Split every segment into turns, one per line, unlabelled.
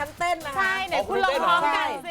ฉันเต้นนะคะ
ใช่ไหนคุณลองพร้อมกันสิ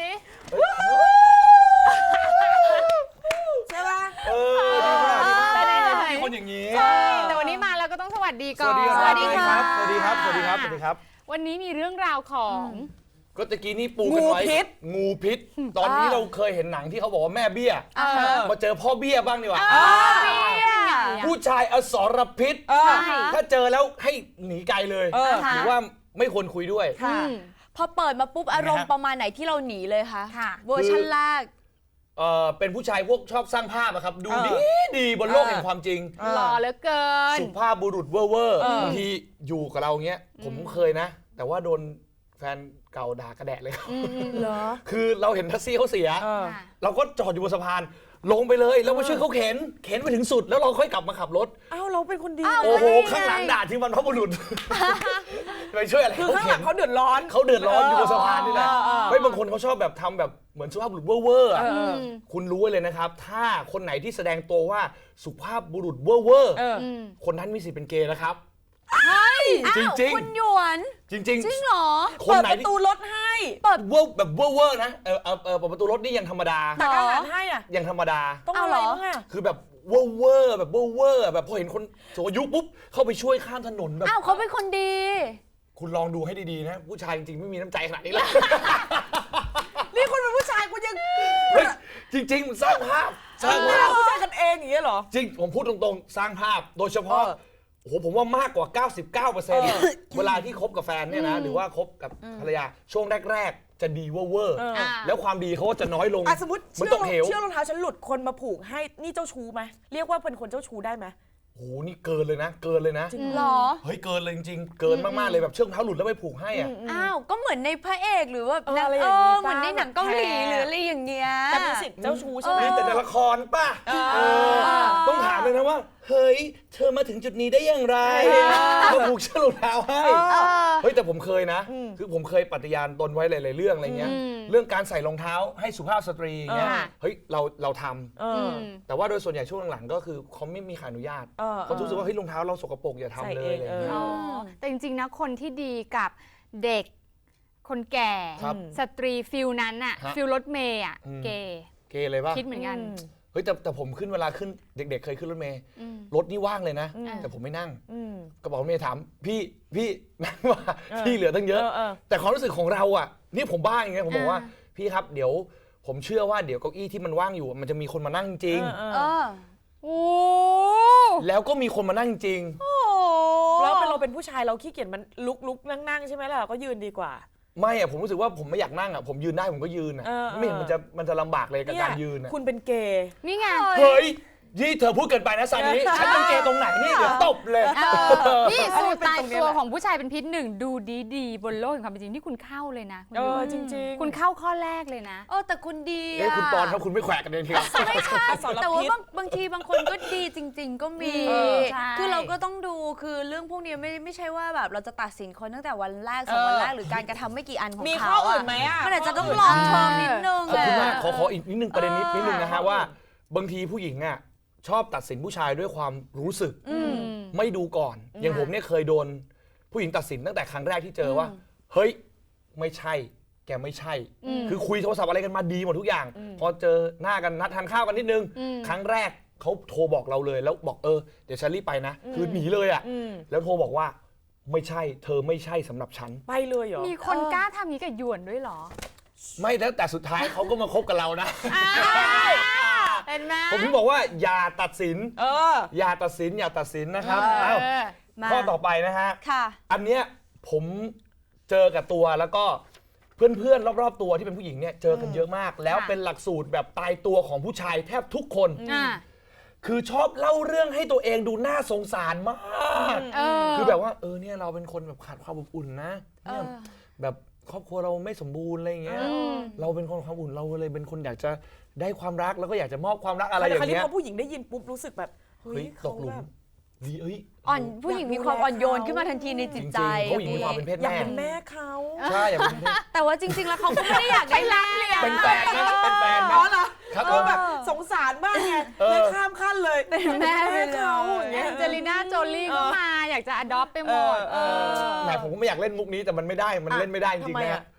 ใช่ป่ะ
ดีมาก
ใช่
มีคนอย่างนี้
แต่วันนี้มาแล้วก็ต้องสวัสดีก่อน
สวัสดีครับ สวัสดีครับ สวัสดีครับ สวัสดีครับ
วันนี้มีเรื่องราวของ
ก็ตะกี้นี่ปูกันไว้ งูพิษ ตอนนี้เราเคยเห็นหนังที่เขาบอกว่าแม่เบี้ย มาเจอพ่อเบี้ยบ้างดีกว่า ผู้ชายอสรพิษ ถ้าเจอแล้วให้หนีไกลเลย หรือว่าไม่ควรคุยด้วย
พอเปิดมาปุ๊บอารมณ์ประมาณไหนที่เราหนีเลยคะ
ค่ะ
เวอร์ชันแรก
เป็นผู้ชายพวกชอบสร้างภาพอะครับ ดูดีบนโลกแห่งความจริง
หล่อเหลือเกิน
สุภาพบุรุษเวอร์บางทีอยู่กับเราเงี้ย ผมเคยนะ แต่ว่าโดนแฟนเก่าด่ากระแดะเลยครับ
เหรอ
คือเราเห็นแท็กซี่เขาเสีย เราก็จอดอยู่บนสะพาน ลงไปเลยแล้วมาช่วยเขาเข็นไปถึงสุด แล้วเราค่อยกลับมาขับรถ
อ้าวเราเป็นคนดี
โอ้โห ข้างหลังด่าที่มันพบุรุษ ไปช่วยอะไร
คือข้างหลังเขาเดือดร้อน
เขาเดือดร้อนอยู่บนสะพานนี่แหละไม่บางคนเขาชอบแบบทำแบบเหมือนสุภาพบุรุษเวอร์ๆอะคุณรู้ไว้เลยนะครับ ถ้าคนไหนที่แสดงตัวว่าสุภาพบุรุษเวอร์คนนั้นมีสิทธิ์เป็นเกย์นะครับ จริงๆ
คุณหยวน
จริง
จริงเหรอ
คน
เปิด
ไหน
ประ
ที่
ตูรถให้
เวอร์แบบเวอร์นะเปิดประตูรถนี่ยังธรรมดา
ตักอาหารให้อ่ะ
ยังธรรมดา
ต้องอะไรบ้างอ่ะ
คือแบบเวอร์แบบเวอร์แบบพอเห็นคนสูงอายุปุ๊บเข้าไปช่วยข้ามถนนแบบ
อ้าวเขาเป็นคนดี
คุณลองดูให้ดีๆนะ ผู้ชายจริงๆไม่มีน้ำใจขนาดนี้เลย
นี่คุณเป็นผู้ชายคุณยัง
เฮ้ยจริงๆมันสร้างภาพสร้างภาพ
ผู้ชายกันเองอย่างเงี้ยเหรอ
จริงผมพูดตรงๆสร้างภาพโดยเฉพาะโอ้โหผมว่ามากกว่า 99%เวลาที่คบกับแฟนเนี่ยนะหรือว่าคบกับภรรยาช่วงแรกๆ จะดีเวอร์แล้วความดีเขาก็จะน้อยลง
สมมติ
เหมันตกเหว
เชือกรองเท้าฉันหลุดคนมาผูกให้นี่เจ้าชู้ไหมเรียกว่าเป็นคนเจ้าชู้ได้ไหม
โอ้โหนี่เกินเลยนะ เกินเลยนะ
หรอ
เฮ้ยเกินเลยจริงๆเกินมากๆเลยแบบเชือกรองเท้าหลุดแล้วไปผูกให้อ่ะ
อ้าว ก็เหมือนในพระเอกหรือว่า
อะไรอย่างงี้
เหมือนในหนังเกาหลีหรืออะไรอย่างเงี้ย
แต่เป็นสิทธิ์เจ้าชู้ใช่ไหม
นี่แต่ในละครป่ะต้องถามเลยนะว่า เฮ้ย เธอมาถึงจุดนี้ได้อย่างไรมาผูกเชือกรองเท้าให้เฮ้ยแต่ผมเคยนะ คือผมเคยปฏิญาณตนไว้หลายๆเรื่องอะไรเงี้ยเรื่องการใส่รองเท้าให้สุภาพสตรีเงี้ยเฮ้ยเราทำแต่ว่าโดยส่วนใหญ่ช่วงหลังๆก็คือเขาไม่มีขออนุญาตเขารู้สึกว่าเฮ้ยรองเท้าเราสกปรกอย่าทำเลยอะไรเงี้ย
แต่จริงๆนะคนที่ดีกับเด็กคนแก่
ครับ
สตรีฟิลนั้นอะ
ฮะ
ฟิลรถเมย์อะเกย์
เกย์เลยป่ะ
คิดเหมือนกัน
เฮ้ยแต่ผมขึ้นเวลาขึ้นเด็กๆเคยขึ้นรถเมล์รถนี่ว่างเลยนะ แต่ผมไม่นั่งกระเป๋ารถเมล์ถามพี่นั่งว่าที่เหลือตั้งเยอะ แต่ความรู้สึกของเราอ่ะนี่ผมบ้าอย่างเงี้ยผมบอกว่าพี่ครับเดี๋ยวผมเชื่อว่าเดี๋ยวเก้าอี้ที่มันว่างอยู่มันจะมีคนมานั่งจริง
โอ้
แล้วก็มีคนมานั่งจริง
แล้วเราเป็นผู้ชายเราขี้เกียจมันลุกนั่งใช่ไหมล่ะเราก็ยืนดีกว่า
ไม่อะผมรู้สึกว่าผมไม่อยากนั่งอะผมยืนได้ผมก็ยืนอะไม่เห็นมันจะลำบากเลยกับการยืนอะ
คุณเป็นเกย์
นี่ไง
เฮ้ยนี่เธอพูดเกินไปนะซันนี้ฉันเป็นเกย์ตรงไหนนี่เดี๋ยวตบเลย
นี่สูตรตายตัวของผู้ชายเป็นพิษหนึ่งดูดีๆบนโลกแห่งความเป็นจริงที่คุณเข้าเลยนะคุณยุ้ย
จริงๆ
คุณเข้าข้อแรกเลยนะ
แต่คุณดี
เอ้ย
อะ
คุณปอนครับคุณไม่แขวะกันเองทีครับ
ไม่ใช่
สารพิษ
แต่ว่าบางทีบางคนก็ดีจริง ๆ ก็มี
ใช่
คือเราก็ต้องดูคือเรื่องพวกนี้ไม่ใช่ว่าแบบเราจะตัดสินคนตั้งแต่วันแรก2 วันแรกหรือการกระทำไม่กี่อันของเขา
มี
มี
ข้ออื่นไหมอ่ะ
มันอาจจะต้องลองเทอมนิดนึง
ขอบคุณมากขออีกนิดนึงประเด็นนิดนึงนะฮะว่าบางทีผู้หญิงอ่ะชอบตัดสินผู้ชายด้วยความรู้สึกไม่ดูก่อน อย่างผมเนี่ยเคยโดนผู้หญิงตัดสินตั้งแต่ครั้งแรกที่เจอว่าเฮ้ยไม่ใช่แกไม่ใช่ คือคุยโทรศัพท์อะไรกันมาดีหมดทุกอย่าง พอเจอหน้ากันนัดทานข้าวกันนิดนึงครั้งแรกเขาโทรบอกเราเลยแล้วบอกเดี๋ยวฉันรีบไปนะคือหนีเลยอ่ะแล้วโทรบอกว่าไม่ใช่เธอไม่ใช่สำหรับฉัน
ไปเลยเหรอ
มีคนกล้าทำอย่างนี้กับหยวนด้วยเหรอ
ไม่แล้วแต่สุดท้ายเขาก็มาคบกับเรานะ
เห็นไหม
ผมถึงบอกว่าอย่าตัดสินอย่าตัดสินนะครับอ้าว
มา
ข้อต่อไปนะฮะ
ค่ะ
อันเนี้ยผมเจอกับตัวแล้วก็เพื่อนๆรอบๆตัวที่เป็นผู้หญิงเนี่ยเจอกันเยอะมาก แล้วเป็นหลักสูตรแบบตายตัวของผู้ชายแทบทุกคน คือชอบเล่าเรื่องให้ตัวเองดูน่าสงสารมากคือแบบว่าเนี่ยเราเป็นคนแบบขาดความอบอุ่นนะเนี่ยแบบครอบครัวเราไม่สมบูรณ์อะไรอย่างเงี้ยเราเป็นคนความอุ่นเราเลยเป็นคนอยากจะได้ความรักแล้วก็อยากจะมอบความรักอะไรอย่าง
คราวนี้
เงี้ย
พอผู้หญิงได้ยินปุ๊บรู้สึกแบบเฮ้
เฮ้
ย
ยต
เขา
กหลุ
แบ
ม
บ
ดี
ผู้หญิงมีความอ่อนโยนขึ้นมาทันทีในจิตใจ
จริงๆผู้หญิงมีความเป็นเพศ
อยาก
แม่
เป็นแม่เขา
ใช่อยากเป็นเพศ
แต่ว่าจริง ๆ แล้วเขาก็ไม่ได้อยากได้แม่เลยอะ
เป็นแฟนนะเป็นแฟน
อ๋
นะ
อเหรอ
ครับ
ก็แบบสงสารมากไงเลยข้ามขั้นเลยเป็นแม่เขาอย่างเงี้ย
แองเจลิน่าโจลี่ก็มาอยากจะอดอปไปหมด
แหมผมก็ไม่อยากเล่นมุกนี้แต่มันไม่ได้มันเล่นไม่ได้จริงๆนะฮะ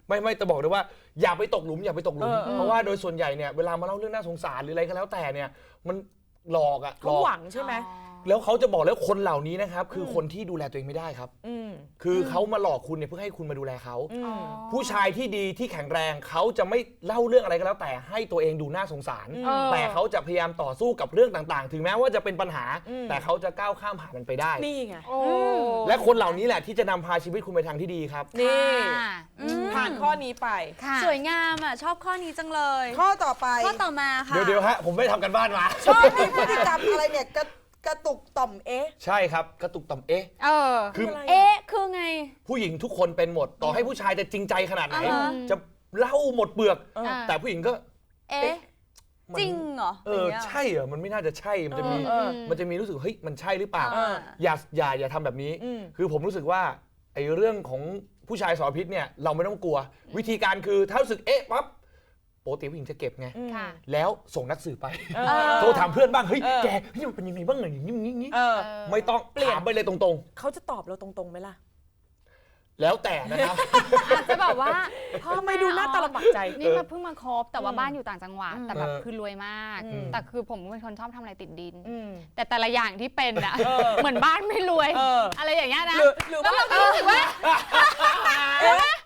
ไม่แต่บอกเลยว่าอย่าไปตกหลุมอย่าไปตกหลุม เพราะว่าโดยส่วนใหญ่เนี่ยเวลามาเล่าเรื่องน่าสงสารหรืออะไรก็แล้วแต่เนี่ยมันหลอกอะห
เขา
ลอก
หวังใช่ไหม
แล้วเขาจะบอกแล้วคนเหล่านี้นะครับคือคนที่ดูแลตัวเองไม่ได้ครับ
อืม
คือเขามาหลอกคุณเนี่ยเพื่อให้คุณมาดูแลเขา
อืม
ผู้ชายที่ดีที่แข็งแรงเขาจะไม่เล่าเรื่องอะไรก็แล้วแต่ให้ตัวเองดูน่าสงสาร
อืม
แต่เขาจะพยายามต่อสู้กับเรื่องต่างๆ ถึงแม้ว่าจะเป็นปัญหา
อืม
แต่เขาจะก้าวข้ามผ่านมันไปได้
นี่ไง
โอ้
และคนเหล่านี้แหละที่จะนำพาชีวิตคุณไปทางที่ดีครับ
นี่
ค่ะ
ผ่านข้อนี้ไป
ค่ะ
สวยงามอ่ะชอบข้อนี้จังเลย
ข้อต่อไป
ข้อต่อมาค่ะ
เดี๋ยวฮะผมไม่ได้ทำกันบ้านมา
ชอบมีพฤติกรรมอะไรเนี่ยกระตุกต่อมเอ๊ะ
ใช่ครับกระตุกต่อมเอ๊ะ
เออ
คือ
อะไร
เอ๊ะคือไง
ผู้หญิงทุกคนเป็นหมด ต่อให้ผู้ชายจะจริงใจขนาดไหน
อ่าฮะ
จะเล่าหมดเปลือก
เออ
แต่ผู้หญิงก็
เอ๊ะ
มัน
จริงเหรอ
เออใช่เหรอมันไม่น่าจะใช่มันจะมี
เออ
มันจะมีรู้สึกเฮ้ยมันใช่หรือเปล่า
เออ
อย่าทำแบบนี้
อืม
คือผมรู้สึกว่าไอ้เรื่องของผู้ชายสารพิษเนี่ยเราไม่ต้องกลัว วิธีการคือถ้ารู้สึกเอ๊ะปั๊บปกติผู้หญิงจะเก็บไง
ค่ะ
แล้วส่งนักสืบไป
เออ
โทรถามเพื่อนบ้างเฮ้ย
เออ
แกเฮ้ยมันเป็นยังไงบ้างอย่างนี้
เออ
ไม่ต้อง
เปลี่ยน
ถามไปเลยตรง
เขาจะตอบเราตรงๆไหมล่ะ
ๆ แล้วแต่นะครับ
อาจจะแบบว่าพ่อ
ทำไมดูหน้าตาลำบากใจ
นี่มาเพิ่งมาคบแต่ว่าบ้านอยู่ต่างจังหวัด แต่แบบ
เออ
คือรวยมาก
อืม
แต่คือผมเป็นคนชอบทำอะไรติดดิน
อืม
แต่แต่ละอย่างที่เป็นอะ
เออ
เหมือนบ้านไม่รวย
เออ
อะไรอย่างเงี้ยนะ
หรือ
แล้ว
ว่า
เราก็รู้สึกว่า
เอ๊ะ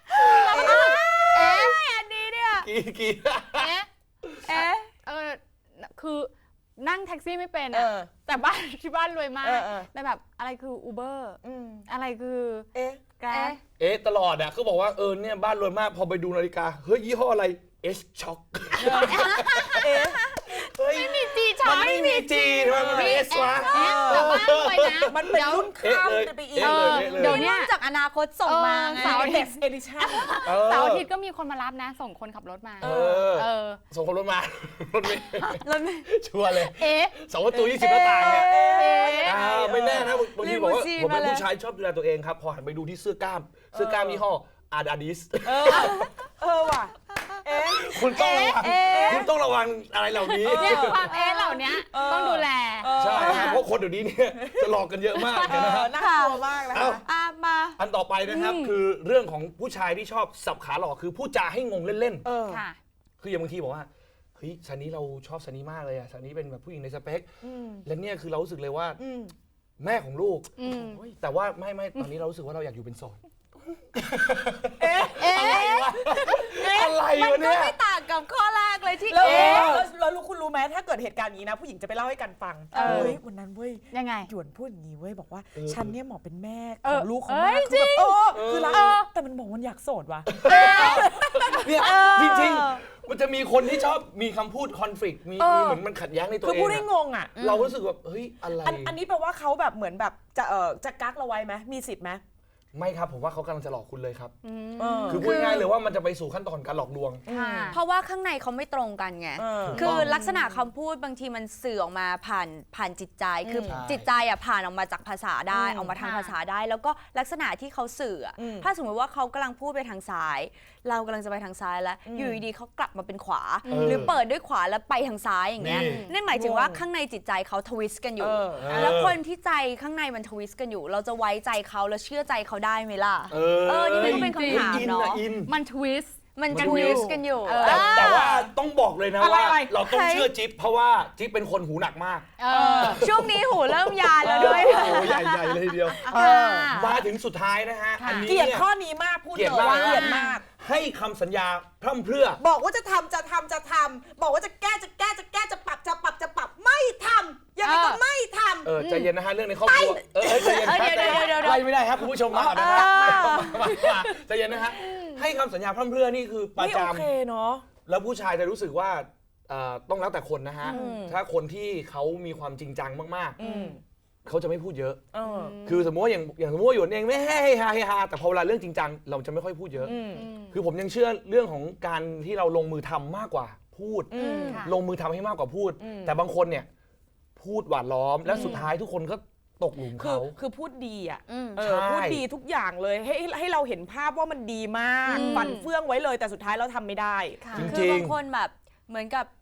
อันนี้เนี่ย
กี่
เอ๊ะ
เอ๊ะ
คือนั่งแท็กซี่ไม่เป็น
เอ
อะ
อ
แต่บ้านที่บ้านรวยมาก
เออ
แต่แบบอะไรคืออูเบอร์
อืม
อะไรคือ
เอ๊ะ
แกร็บ
เอ๊ะตลอดอ่ะเขาบอกว่าเนี่ยบ้านรวยมากพอไปดูนาฬิกาเฮ้ยยี่ห้ออะไร S Shock
เอ๊ะ
เฮ้ย
มีจีช็อ
มันไม่มีจีทำไมมันเป็น S วะ
แต่บ้านรวยนะ
มันเป็นรุ่นข้าม
เอ๊ะเลย
ไปอีก
เอ๊ะเลย
เดี๋ยวเนี้
นี่จากอนาคตส่งมาไง
เสาร์อาทิตย์
เอดิชั่น
เสาร์อาทิตย์ก็มีคนมารับนะ ส่งคนขับรถมา
เออ
เออ
ส่งคนรถมา รถไม่
แล้วไม่
ชัวร์เลย
เอ๊ะ
2 ประตู 20 หน้าต่างเนี่ย
เอ๊ะ
ไม่แน่นะบางทีบอกว่า
ลิมูซีน
ผมเป็น
มาเลย
ผู้ชายชอบดูแลตัวเองครับ พอหันไปดูที่เสื้อกล้ามยี่ห้ออาดาดิส
เออว่ะ เอ๊ะ
คุณต้องระวังคุณต้องระวังอะไรเหล่านี้
เนี่ยความเอ๊ะเหล่านี้ต้องดูแล
ใช่ครับเพราะคนเดี๋ยวนี้เนี่ยจะหลอกกันเยอะมากนะครับ
น่ากลัวมากนะ
เอ้า
คะ
มา
อันต่อไปนะครับคือเรื่องของผู้ชายที่ชอบสับขาหลอกคือพูดจาให้งงเล่น
เออ
ค่ะ
ๆ คืออย่างบางทีบอกว่าเฮ้ยซันนี้เราชอบซันนี้มากเลยอะซันนี้เป็นแบบผู้หญิงในสเปค
อืม
และเนี่ยคือเรารู้สึกเลยว่า
อืม
แม่ของลูก
อืม
โอ้ยแต่ว่าไม่ตอนนี้เรารู้สึกว่าเราอยากอยู่เป็นโสด
เอ๊ะ
อะไรวะอะไร
มัน
วะ
ก็
เนี่ย
ไม่ต่างกับข้อแรกเลยที่
แล้ว
เอ๊ะ
แล้วคุณรู้ไหมถ้าเกิดเหตุการณ์นี้นะ ผู้หญิงจะไปเล่าให้กันฟัง
เออ
เฮ้ยวันนั้นเว้ย
ยังไง
หยวนพูดอย่างนี้เว้ยบอกว่า
เออ
ฉันเนี่ยเหมาะเป็นแม่
เอ
ข
อ
องลูกของ
เอ้
มาย คือแบบคือรักแต่มันบอกมันอยากโสดว่ะ
เนี่ยจริงๆ มันจะมีคนที่ชอบมีคำพูดคอน FLICT มีเหมือนมันขัดแย้งในตัว
คือ
เอง
พูดให้
อะ
งงอ่ะ
เรารู้สึกแบบเฮ้ยอะไร
อันนี้แปลว่าเขาแบบเหมือนแบบจะกักเราไว้ไหมมีสิทธิ์ไหม
ไม่ครับผมว่าเขากำลังจะหลอกคุณเลยครับ
เออ
คือพูดง่ายๆเลยว่ามันจะไปสู่ขั้นตอนการหลอกลวง
ค่ะ
เพราะว่าข้างในเขาไม่ตรงกันไง
เออ
คือลักษณะคำพูดบางทีมันสื่อออกมาผ่านจิตใจ คือ
ใช่
จิตใจอ่ะผ่านออกมาจากภาษาได้
อืม
ออกมาทาง
ค่ะ
ภาษาได้ แล้วก็ลักษณะที่เขาสื่ออะ
อืม
ถ้าสมมติว่าเขากำลังพูดไปทางซ้าย เรากำลังจะไปทางซ้ายแล้ว อยู่ดีๆเขากลับมาเป็นขวา หรือเปิดด้วยขวาแล้วไปทางซ้ายอย่างเงี้ย
นี่
นั่นหมายถึงว่าข้างในจิตใจเขาทวิสต์กันอยู่
เออ
แล้วคนที่ใจข้างในมันทวิสต์กันอยู่ เราจะไว้ใจเขาแล้วเชื่อใจเขาได้ไหมล่ะ นี่มันก็เป็นคำถาม
อิน
เนาะ
นะอิน
มันทวิสต์
มันทวิสต์กันอยู่
แต่ว่าต้องบอกเลยนะ
อะไร
ว่า
อะไร
เราต้องเชื่อจิ๊บเพราะว่าจิ๊บเป็นคนหูหนักมาก
เออ
ช่วงนี้หูเริ่มยานแล้วด้วย
โอ้ใหญ่ๆเลยทีเดียว
ค่ะ
มาถึงสุดท้ายนะฮะ
ค่ะ
อันนี้
เกลียด
เนี่ย
ข้อนี้มากพูด
เกลี
เลย
ดมาก
ว่าเกลียดมาก
ให้คำสัญญาพร่ำเพรื่อ
บอกว่าจะทำบอกว่าจะแก้จะปรับไม่ทำยังไงก็ไม่ทำ
ใจเย็นนะฮะเรื่องในครอบครัวใจเย็นครับ
เดี๋ยว
ไล่ไม่ได้ครับคุณผู้ชมมาก่อนนะฮะมาใจเย็นนะฮะให้คำสัญญาพร่ำเพรื่อนี่คือประ
ไม่โอ
จำ
เคเนาะ
แล้วผู้ชายจะรู้สึกว่าต้องแล้วแต่คนนะฮะ
อืม
ถ้าคนที่เขามีความจริงจังมาก
อืม
ๆเขาจะไม่พูดเยอะ
เออ
คือสมมติว่าอย่างสมมติว่าหยวนเองไม่ให้ฮาแต่พอเวลาเรื่องจริงจังเราจะไม่ค่อยพูดเยอะ
อืม
คือผมยังเชื่อเรื่องของการที่เราลงมือทำมากกว่าพูด
อืม
ค่ะ
ลงมือทำให้มากกว่าพูด
อืม
แต่บางคนเนี่ยพูดหวานล้อมและสุดท้ายทุกคนก็ตกหลุม
คือ
เขา
คือพูดดีอ่ะ
อืม
เออ
ใช่
พูดดีทุกอย่างเลยให้เราเห็นภาพว่ามันดีมาก
อืม
ฝันเฟื่องไว้เลยแต่สุดท้ายเราทำไม่ได้
ค่ะ
จริง
คือบางคนแบบเหมือนกับ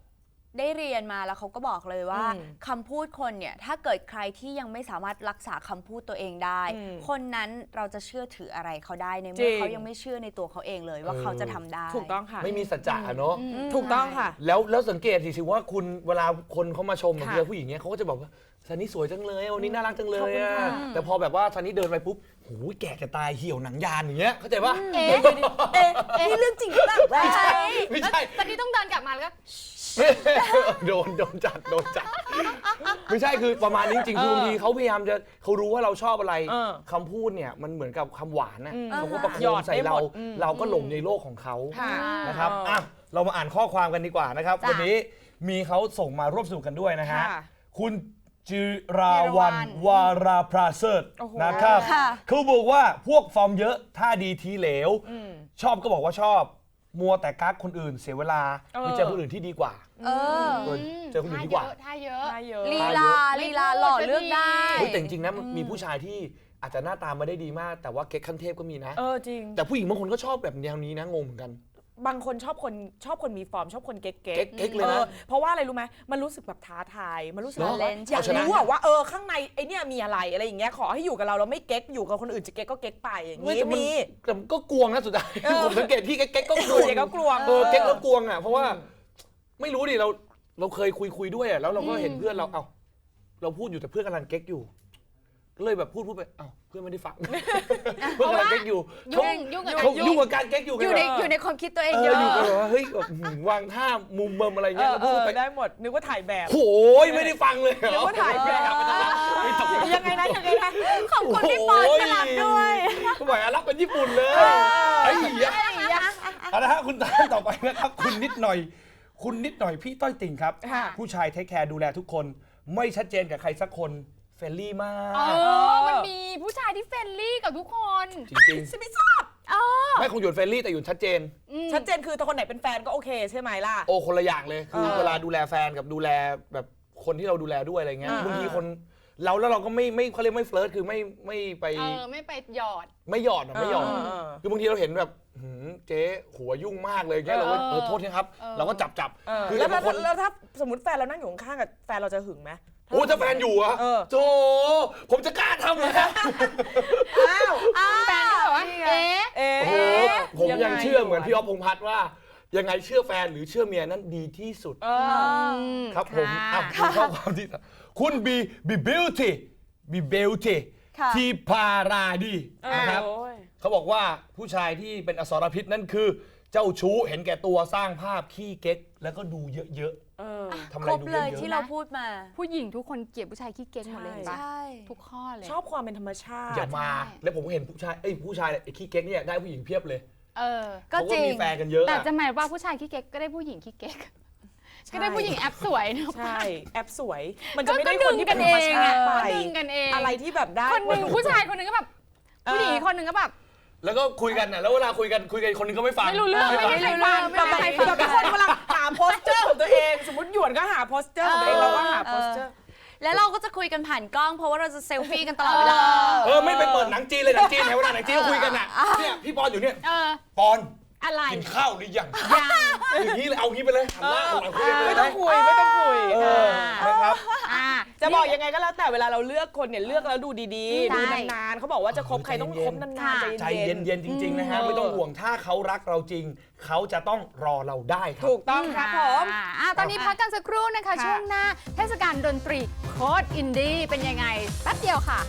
ได้เรียนมาแล้วเขาก็บอกเลยว่าคำพูดคนเนี่ยถ้าเกิดใครที่ยังไม่สามารถรักษาคำพูดตัวเองได้ คนนั้นเราจะเชื่อถืออะไรเขาได้ในเมื่อเขายังไม่เชื่อในตัวเขาเองเลยว่าเขาจะทำได้
ถูกต้องค่ะ
ไม่มีสัจจะเนาะ
ถูกต้องค่ะ
แล้วสังเกตสิว่าคุณเวลาคนเขามาชมบางทีผู้หญิงเนี้ยเขาก็จะบอกว่าซันนี่สวยจังเลยวันนี้น่ารักจังเลยอะแต่พอแบบว่าซันนี่เดินไปปุ๊บโหแก่จะตายเหี่ยวหนังยานอย่างเงี้ยเข้าใจปะ
นี่เรื่องจริงหรือเปล่า
ไม่ใช่
ตอนนี้ต้องเดินกลับมาแล้วก็
โดนจัดไม่ใช่คือประมาณนี้จริงๆคือบางทีเขาพยายามจะเขารู้ว่าเราชอบอะไรคำพูดเนี่ยมันเหมือนกับคำหวานนะเขาก็ประโค
หยอ
ม
ด
ใส่
ได้ห
เรา
มด
เราก็หลงในโลกของเขา
ค่ะ
นะครับอ่ะเรามาอ่านข้อความกันดีกว่านะครับ
จ้ะ
วันนี้มีเขาส่งมาร่วมสนุกกันด้วยนะฮะ
ค่ะ
คุณจิราวันวาราพราเซิร์ต
โอ้โห
นะครับ
ค่ะ
เขาบอกว่าพวกฟอร์มเยอะท่าดีทีเหลว ชอบก็บอกว่าชอบ มัวแต่กักคนอื่นเสียเวลาไปเจอคนอื่นที่ดีกว่า
เออ
เจอคนอื่นดีกว่า
ท่าเยอะ
ได้เยอะ
ลีลาหล่อเลือกได้
เฮ้ยแต่จริงๆนะมันมีผู้ชายที่อาจจะหน้าตาไม่ได้ดีมาก แต่ว่าเก๊กขั้นเทพก็มีนะ
จริง
แต่ผู้หญิงบางคนก็ชอบแบบแนวนี้นะงงเหมือนกัน
บางคนชอบคนมีฟอร์มชอบคนเก๊ก
เก๊กเลยนะ
เพราะว่าอะไรรู้ไหมมันรู้สึกแบบท้าทายมันรู้สึก
เหรอ
ว่าอยาก
เอาชนะ
รู้ว่าข้างในไอเนี่ยมีอะไรอย่างเงี้ยขอให้อยู่กับเราไม่เก๊กอยู่กับคนอื่นจะเก๊กก็เก๊กไปอย่าง
ไม่
นี้
แต่มัน
มี
แต่มันก็กวงนะสุดท้ายผมสังเกตพี่เก๊กก็กวง
เก๊กก็กลวง
เก๊กแล้วกวงอ่ะเพราะว่าไม่รู้ดิเราเคยคุยด้วยอ่ะแล้วเราก็เห็นเพื่อนเราเราพูดอยู่แต่เพื่อนกำลังเก๊กอยู่ก็เลยแบบพูดไปเพื่อนไม่ได้ฟังเพื่อนกำลังเก๊กอยู่
ยุ่งกับ
เขายุ่งกับการเก๊กอยู่
อยู่ในความคิดตัวเองเยอะ
อยู่กันแบบว่าเฮ้ยแบบวางท่ามุมเบิมอะไรเงี้ยแล้วพูดไป
ได้หมดนึกว่าถ่ายแบบ
โหยไม่ได้ฟังเลย
นึกว่าถ่ายแบบ
ไม่ต้อง
ยังไงนะ
ขอบคุณพี่ปอนสลับด้วย
ก็บอกรับเป็นญี่ปุ่นเลยไอ้เหี้ยเอาละฮะคุณตามต่อไปนะครับคุณนิดหน่อยพี่ต้อยติ่งครับ
ค่ะ
ผู้ชายเทคแคร์ดูแลทุกคนไม่ชัดเจนกับใครสักคนเฟรนลี่มาก
มันมีผู้ชายที่เฟรนลี่กับทุกคน
จริง
ฉันไม่ทราบ
ๆไม่คงหยุดเฟรนลี่แต่หยุดชัดเจน
ชัดเจนคือถ้าคนไหนเป็นแฟนก็โอเคใช่ไหมล่ะ
โอ้คนละอย่างเลยคือเวลาดูแลแฟนกับดูแลแบบคนที่เราดูแลด้วยอะไรเงี้ย
อ่า
บางทีคนแล้วเราก็ไม่เขาเรียกไม่เฟลิร์ตคือไม่ไป
ไม่ไปหยอด
ไม่หยอดอะไม่หยอดคือบางทีเราเห็นแบบเจ๊หัวยุ่งมากเลยเงี้ยเราก็โทษนะครับเราก็จับคือ
แล้ว
บางคน
ถ้าสมมติแฟนเรานั่งอยู่ข้างๆกับแฟนเราจะหึงไหม
โอ้ถ้าแฟนอยู่อะโธ่ผมจะกล้าทำเลย
แฟนก็แบบว่า
โอ้โหผมยังเชื่อเหมือนพี่อ๊อฟพงษ์พัฒน์ว่ายังไงเชื่อแฟนหรือเชื่อเมียนั้นดีที่สุดครับผมดูข้อความที่คุณบีบิวตี้ทีพาราดีนะครับเขาบอกว่าผู้ชายที่เป็นอสรพิษนั่นคือเจ้าชู้เห็นแก่ตัวสร้างภาพขี้เก๊กแล้วก็ดูเยอะๆทำอะ
ค
ไร
รบ
ดู
เล
เย
ย
อะ
ที่เราพูดมา
ผู้หญิงทุกคนเกลียดผู้ชายขี้เก๊กหมดเลยเห็นปะ
ใช่
ทุกข้อเลย
ชอบความเป็นธรรมชาติ
อย่ามาแล้วผมก็เห็นผู้ชายไอ้ขี้เก๊กเนี่ยได้ผู้หญิงเพียบเลย
ก็
เขา
จ
ก็
ริง
มีแฟนกันเยอะ
แต่
อะ
จะหมายว่าผู้ชายขี้เก๊กก็ได้ผู้หญิงขี้เก๊กก็ได้ผู้หญิงแอปสวยเนอะ
ใช่แอปสวย มันจะไม่ได้
ก็
คนที่เป็นธรรมชาติไป
ก็ดึงกันเอง
อะไรที่แบบได้
คนหนึ่งผู้ชายคนหนึ่งก็แบบผู้หญิงอีกคนหนึ่งก็แบบ
แล้วก็คุยกันน่ะแล้วเวลาคุยกันคนนึงก็ไม่ฟัง
ไม่รู้เรื่อง
ฟั
ไม่ให้ใครฟังไม่
แบบ
ให้ใครฟัง
แบบทุกคนกำลังหาโพสเจอร์ของตัวเอง สมมติหยวนก็หาโพสเจอร์ของตัวเองเราก็หาโพสเจอร์
แล้วเราก็จะคุยกันผ่านกล้องเพราะว่าเราจะเซลฟี่กันตลอดเวลา
ไม่ไปเปิดหนังจีนเลยหนังจีนไหนเวลาหนังจีนก็คุยกันน่ะเนี่ยพี่ปอนอยู่เนี่ยปอน
อะไร
กินข้าวหรือยังอย่างนี้เลยเอางี้ไปเลยหันหน้าหันหลังคุยกันไปเลย
ไม่ต้องคุย
นะครับ
จะบอกยังไงก็แล้วแต่เวลาเราเลือกคนเนี่ยเลือกแล้วดูดีๆ
ใช่
ดูนานๆเขาบอกว่าจะคบใครต้องคบนานๆ
ใจ
ใจเย็น
เย็นๆจริงๆนะฮะไม่ต้องห่วงถ้าเขารักเราจริงเขาจะต้องรอเราได้ครับ
ถูกต้องครับผม
ตอนนี้พักกันสักครู่นะคะ ช่วงหน้าเทศกาลดนตรีโคตรอินดี้เป็นยังไงแป๊บเดียวค่ะ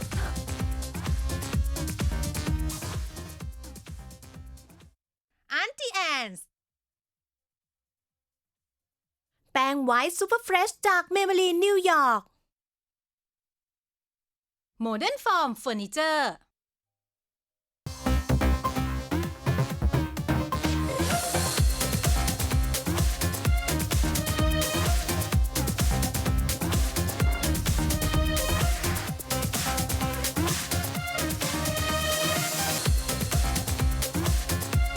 Auntie Anne's แป้งไวท์ซูเปอร์เฟรชจากเมเบลีนนิวยอร์ก Modern Form Furniture